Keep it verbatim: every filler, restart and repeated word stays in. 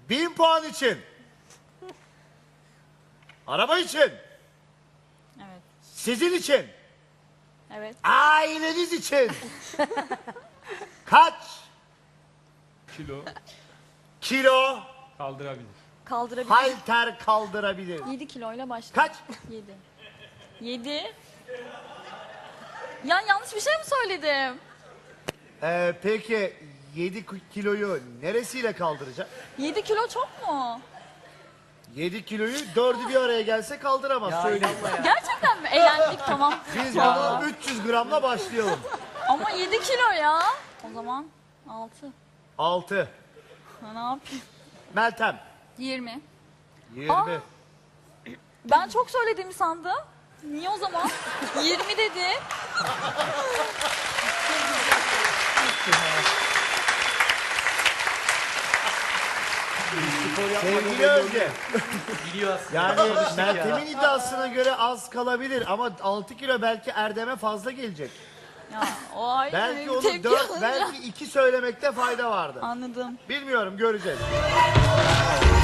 Bin puan için. Araba için. Evet. Sizin için. Evet. Aileniz için. Kaç Kilo kilo kaldırabilir. Kaldırabilir. halter kaldırabilir? yedi kiloyla başla. Kaç? yedi. yedi. Ya yanlış bir şey mi söyledim? Ee, peki yedi kiloyu neresiyle kaldıracak? yedi kilo çok mu? yedi kiloyu dördü bir araya gelse kaldıramaz söyleyeyim. Gerçekten mi? Eğlendik tamam. Biz Ya. bunu üç yüz gramla başlayalım. Ama yedi kilo ya. O zaman altı. altı. Ha, ne yapayım? Meltem. yirmi. yirmi. Aa. Ben çok söylediğimi sandım. Niye o zaman? yirmi dedi. Sevgili Özge. Biliyor aslında. Yani Meltem'in iddiasına göre az kalabilir ama altı kilo belki Erdem'e fazla gelecek. Ya o ayrı. Belki bir onu tepki dört, alınca- belki iki söylemekte fayda vardı. Anladım. Bilmiyorum, göreceğiz.